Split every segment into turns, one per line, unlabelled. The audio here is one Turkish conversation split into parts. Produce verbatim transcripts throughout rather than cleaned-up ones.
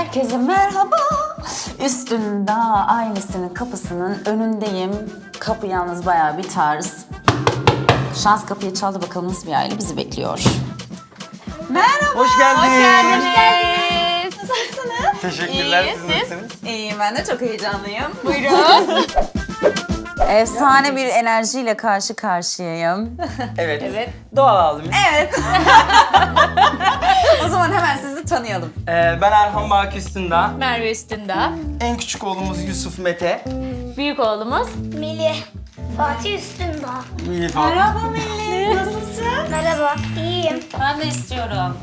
Herkese merhaba. Üstün Dağ ailesinin kapısının önündeyim. Kapı yalnız bayağı bir tarz. Şans kapıyı çaldı, bakalım nasıl bir aile bizi bekliyor. Merhaba.
Hoş geldiniz.
Hoş geldiniz. Nasılsınız?
Teşekkürler.
İyi,
Siz
siz?
nasılsınız?
İyiyim, ben de çok heyecanlıyım. Buyurun. Efsane bir enerjiyle karşı karşıyayım.
Evet. Evet. Doğal abimiz.
Evet. O zaman hemen sizi tanıyalım.
Ee, ben Erhan Baki Üstündağ.
Merve Üstündağ.
En küçük oğlumuz Yusuf Mete.
Büyük oğlumuz.
Melih. Fatih Üstündağ.
Melih abi.
Merhaba Melih, nasılsın?
Merhaba, iyiyim.
Ben de istiyorum.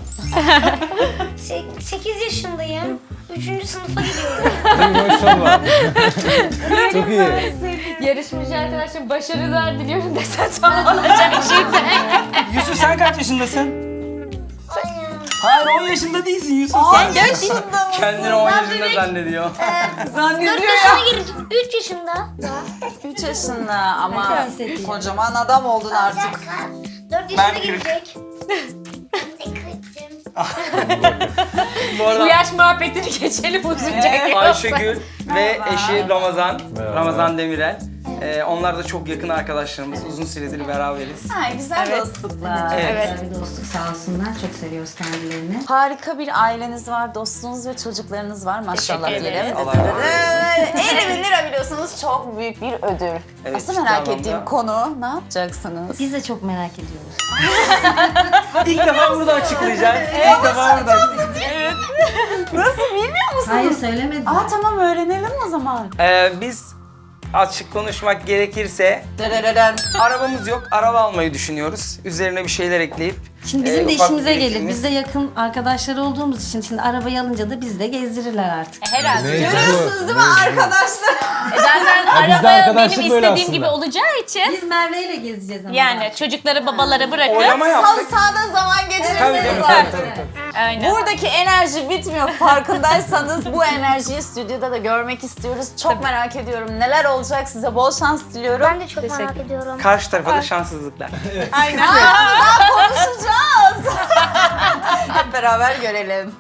sekiz yaşındayım. Üçüncü sınıfa gidiyorum.
Maşallah. Çok iyi.
Yarışmacı arkadaşlarım başarılar diliyorum desen tam olacak şimdi.
Yusuf sen kaç yaşındasın? Hayır on yaşında değilsin Yusuf.
Sen dört yaşında mısın?
Kendini on yaşında zannediyor.
Zannediyor
dört
ya.
yaşına girdim. üç yaşında.
üç yaşında ama kocaman adam oldun artık.
dört
Ben
yaşına
kırk.
girecek. Ben de kırktım.
Bu
Bu
arada
yaş muhabbetini geçelim uzunca.
Ayşegül ve eşi Ramazan.
Merhaba.
Ramazan Demirel. Ee, onlar da çok yakın arkadaşlarımız. Uzun süredir beraberiz.
Ha, güzel dostluklar.
Evet.
Güzel bir dostluk, sağ olsunlar. Çok seviyoruz kendilerini.
Harika bir aileniz var, dostunuz ve çocuklarınız var maşallah
Teşekkür
diyelim.
ederiz.
Allah razı olsun.
elli bin lira biliyorsunuz, çok büyük bir ödül.
Evet,
Asıl
ciddi
merak
anlamda.
ettiğim konu, ne yapacaksınız?
Biz de çok merak ediyoruz.
İlk defa burada açıklayacağız. İlk defa burada açıklayacağız.
Nasıl, bilmiyor musunuz?
Hayır söylemedim.
Aa tamam, öğrenelim o zaman.
Ee, biz açık konuşmak gerekirse
Dırırırın.
arabamız yok. Araba almayı düşünüyoruz. Üzerine bir şeyler ekleyip.
Şimdi bizim
e,
de
ufak
işimize
bir
gelir.
birikimimiz-
Biz de yakın arkadaşlar olduğumuz için şimdi arabayı alınca da biz de gezdirirler artık.
Herhalde.
Neyse
Görüyorsunuz
bu.
değil mi arkadaşlar?
E Zaten araba benim
arkadaşlık böyle
istediğim
aslında.
gibi olacağı için
Biz Merve ile gezeceğiz ama.
yani çocukları babalara bırakıp
Oylama
Halı
yaptık.
sahada zaman
Tabii,
geçirirsiniz
tabii,
zaten.
tabii, tabii.
aynen.
Buradaki enerji bitmiyor, farkındaysanız bu enerjiyi stüdyoda da görmek istiyoruz. Çok merak ediyorum. Neler olacak, size bol şans diliyorum.
Ben de çok merak ediyorum.
Karşı tarafa da şanssızlıklar.
Aynen. Aa, daha konuşacağız. Hep beraber görelim.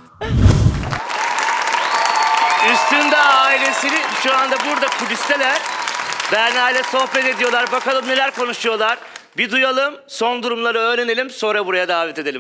Üstünde ailesini şu anda burada kulisteler. Berna ile sohbet ediyorlar. Bakalım neler konuşuyorlar. Bir duyalım, son durumları öğrenelim. Sonra buraya davet edelim.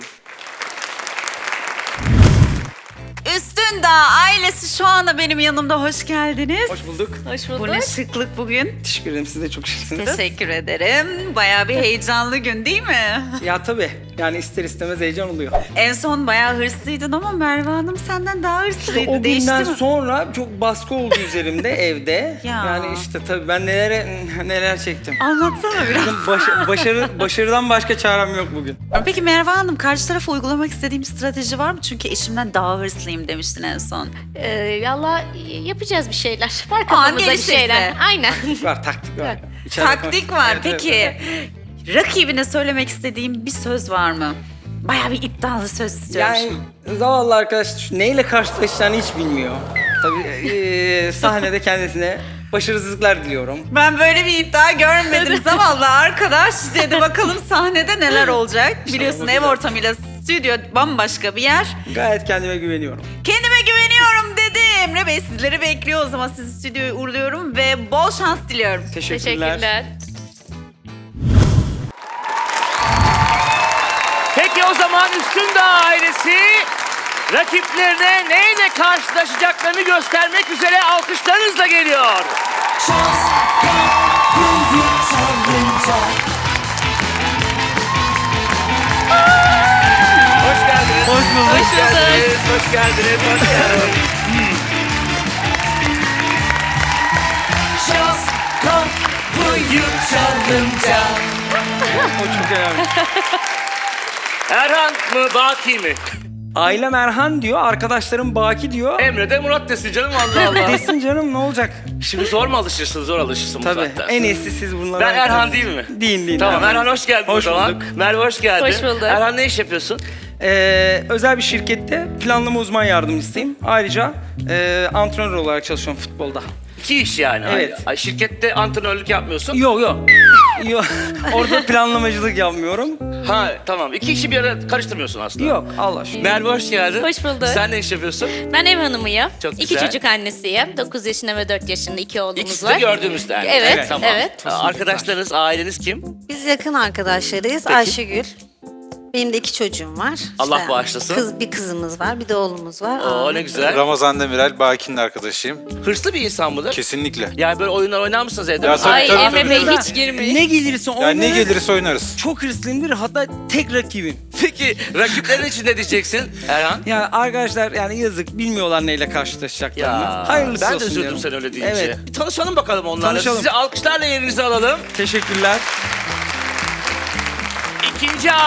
Üstün Dağ ailesi şu anda benim yanımda. Hoş geldiniz.
Hoş bulduk.
Hoş
Bu
bulduk.
ne şıklık bugün.
Teşekkür ederim. Siz de çok şıksınız.
Teşekkür ederim. Bayağı bir heyecanlı gün değil mi?
Ya tabii. Yani ister istemez heyecan oluyor.
En son bayağı hırslıydın ama Merve Hanım senden daha hırslıydı.
O
Değişti
günden
mi?
sonra çok baskı oldu üzerimde evde.
Ya.
Yani işte tabii ben nelere neler çektim.
Anlatsana biraz.
Bugün baş- başarı başarıdan başka çarem yok bugün.
Peki Merve Hanım, karşı tarafa uygulamak istediğim bir strateji var mı? Çünkü eşimden daha hırslıyım demiştin en son.
Ee, valla yapacağız bir şeyler. Var
An
kafamızda bir
gelişirse.
şeyler. Aynen.
Var taktik var. İçeride
Taktik
konuş-
var.
Evet, evet,
Peki
evet.
rakibine söylemek istediğim bir söz var mı? Bayağı bir iddialı söz istiyorum.
Yani zavallı arkadaş neyle karşılaşacağını hiç bilmiyor. Tabii eee, sahnede kendisine başarısızlıklar diliyorum.
Ben böyle bir iddia görmedim. Zavallı arkadaş dedi. Bakalım sahnede neler olacak. Biliyorsun ev ortamıyla stüdyo bambaşka bir yer.
Gayet kendime güveniyorum.
Kendime güveniyorum dedi. Emre Bey sizleri bekliyor. O zaman sizi stüdyoya uğurluyorum ve bol şans diliyorum.
Teşekkürler.
Teşekkürler.
Peki o zaman Üstünde ailesi rakiplerine neyle karşılaşacaklarını göstermek üzere alkışlarınızla geliyor. Hoş geldiniz.
Hoş bulduk.
Hoş geldiniz. Hoş geldiniz. Hoş geldiniz.
O çok önemli.
Erhan mı Baki mi?
Ailem Erhan diyor, arkadaşlarım Baki diyor.
Emre de Murat desin canım Allah Allah.
Desin canım ne olacak?
Şimdi zor mu alışırsın? Zor alışırsın bu
Tabii.
saatten
En
sonra.
iyisi siz bunları.
Ben Erhan değil mi?
Değil değil.
Tamam Erhan hoş geldin
Hoş
o zaman.
bulduk.
Merve hoş geldin.
Hoş bulduk.
Erhan ne iş yapıyorsun?
Ee, özel bir şirkette planlama uzman yardımcısıyım. Ayrıca e, antrenör olarak çalışıyorum futbolda.
İki iş yani.
Evet.
Ay, şirkette antrenörlük yapmıyorsun.
Yok yok. Yok, orada planlamacılık yapmıyorum.
Ha tamam. İki işi bir ara karıştırmıyorsun aslında.
Yok, Allah aşkına.
Merve hoş geldin.
Hoş bulduk.
Sen ne iş yapıyorsun?
Ben ev hanımıyım.
Çok
İki
güzel.
çocuk annesiyim. dokuz yaşında ve dört yaşında iki oğlumuz
İkisi
var.
de gördüğümüzden.
Evet,
Evet, tamam.
evet.
Ha, Arkadaşlarınız, aileniz kim?
Biz yakın arkadaşlarıyız. Ayşegül. Benim de iki çocuğum var.
Allah
İşte
bağışlasın.
Kız, bir kızımız var, bir de oğlumuz var.
Oo
Aa,
ne güzel.
Ramazan Demirel, Baki'nin arkadaşıyım.
Hırslı bir insan mıdır?
Kesinlikle.
Yani böyle oyunlar oynar mısınız evde?
Ya
mesela?
tabii,
Ay
tabii,
Emre
tabii.
Bey hiç girmeyin.
Ne gelirse
Yani
oynarız.
ne gelirse oynarız.
Çok hırslıyımdır, hatta tek rakibim.
Peki rakiplerin için ne diyeceksin Erhan?
Yani arkadaşlar yani yazık, bilmiyorlar neyle karşılaşacaklarını. Hayırlısı
ben de
olsun
üzüldüm
diyorum.
sen öyle deyince.
Evet.
Bir tanışalım bakalım onlarla.
Tanışalım.
Sizi alkışlarla yerinize alalım.
Teşekkürler.
İkinci